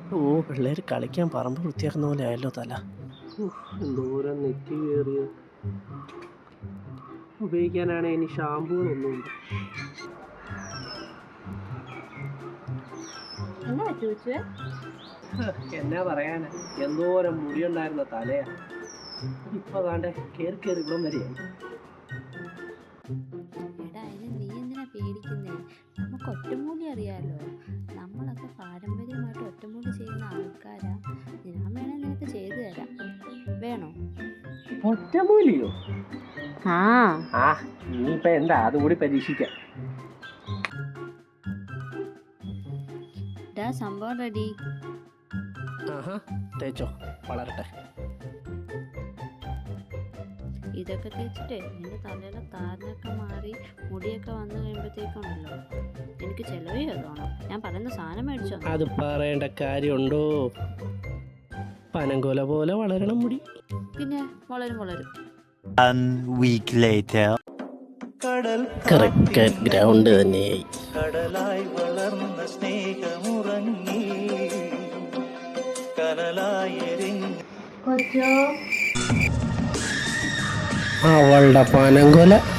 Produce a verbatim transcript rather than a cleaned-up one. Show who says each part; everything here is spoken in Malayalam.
Speaker 1: ഓ പിള്ളേർ കളിക്കാൻ പറമ്പ് വൃത്തിയാക്കുന്ന പോലെ ആയല്ലോ തല. എന്തോരം നെറ്റി കയറിയ ഉപയോഗിക്കാനാണ് ഇനി ഷാമ്പൂകളൊന്നുമില്ല. എന്നാ പറയാനാ, എന്തോരം മുടിയുണ്ടായിരുന്ന തലയാ, ഇപ്പൊ താണ്ടെ കേറി കേറി ഇവിടം വരെയായി.
Speaker 2: എടാ അതിന് നീ എന്തിനാ പേടിക്കുന്നേ? നമുക്ക് ഒറ്റമൂലി അറിയാലോ. നമ്മളൊക്കെ പാരമ്പര്യമായിട്ട് ഒറ്റമൂലി ചെയ്യുന്ന ആൾക്കാരാ. ഞാൻ വേണേ നിനക്ക് ചെയ്തു തരാം, വേണോ?
Speaker 1: ഒറ്റമൂലിയോ?
Speaker 2: ആ
Speaker 1: ആ ഇനിയിപ്പൊ എന്താ അതുകൂടി പരീക്ഷിക്കാം.
Speaker 2: ഇതാ സംഭവം റെഡി.
Speaker 1: ആഹാ തേച്ചോ, വളരട്ടെ.
Speaker 2: ഇതൊക്കെ തേച്ചിട്ടേ നിന്റെ തലയിലെ താരനൊക്കെ മാറി മുടിയൊക്കെ വന്നു കഴിയുമ്പോഴത്തേക്കുണ്ടല്ലോ എനിക്ക് ചെലവ് ചെയ്തോണം. ഞാൻ പറയുന്ന സാധനം മേടിച്ചോ?
Speaker 1: അത് പറയേണ്ട കാര്യമുണ്ടോ? പനങ്കോല പോലെ വളരണം മുടി.
Speaker 2: പിന്നെ വളരും വളരും.
Speaker 1: ക്രിക്കറ്റ് ഗ്രൗണ്ട് തന്നെയായി.
Speaker 3: കടലായി വളർന്ന സ്നേഹമുറങ്ങി കനലായി
Speaker 1: അവളുടെ പനങ്കോല